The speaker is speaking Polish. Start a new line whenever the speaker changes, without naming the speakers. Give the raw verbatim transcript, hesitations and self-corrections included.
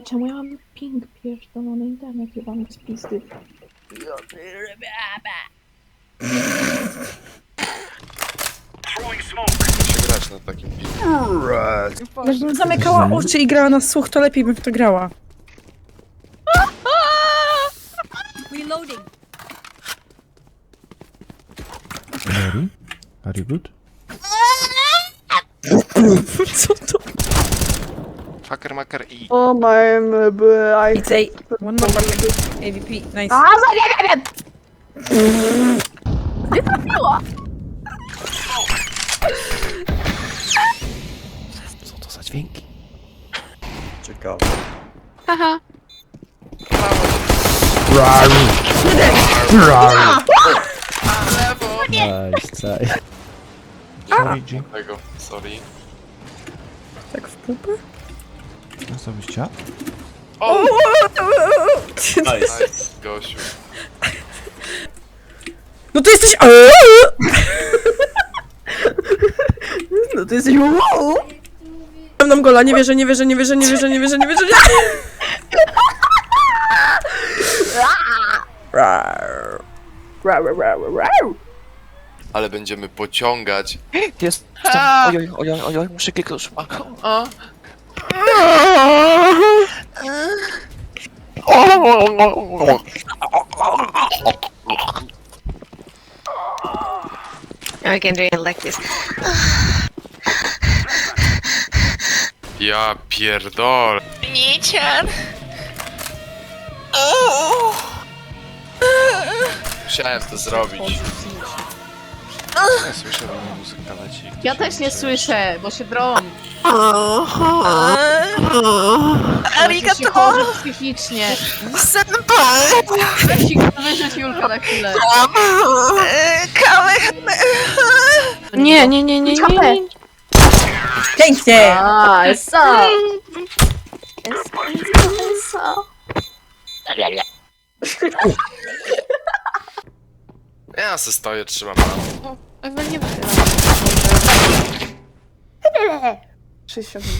czemu ja mam ping pierdolony internet jebany z pizdy?
Muszę grać na takim filmie.
Jakbym zamykała oczy i grała na słuch, to lepiej bym w to grała.
Reloading.
Mary? Are you good?
Co to?
Fucker, maker i...
O, mam... I...
It's a... One more back. A V P, nice.
A, za nie wiem! Nie trafiła!
Co to za dźwięki?
Ciekawe.
Haha.
Nice, caj. Sorry, G.
Tego, sorry.
Tak w pupę?
Co byś chciał?
O!
Nice.
Nice, Gosiu.
No to jesteś... No to jesteś... Mam nam gola, nie wierzę, nie wierzę, nie wierzę, nie wierzę, nie wierzę, nie wierzę, nie
Ale będziemy pociągać.
Jest. Ojoj, ojoj, ojoj, muszę kliknąć. A.
I can do it like this.
Ja pierdol.
Nician.
Musiałem to zrobić. Ja słyszę, że moja muzyka leci.
Ja też nie słyszę, bo się drą.
Arigato.
Chorzy psychicznie.
Senpai.
Ja ci wyrzuć Julka na chwilę.
Nie, nie, nie, nie, nie, nie.
Pięknie!
A, esa!
Ja se stoję, trzymam rano.
Ewa nie wychyla.
sześćdziesiąt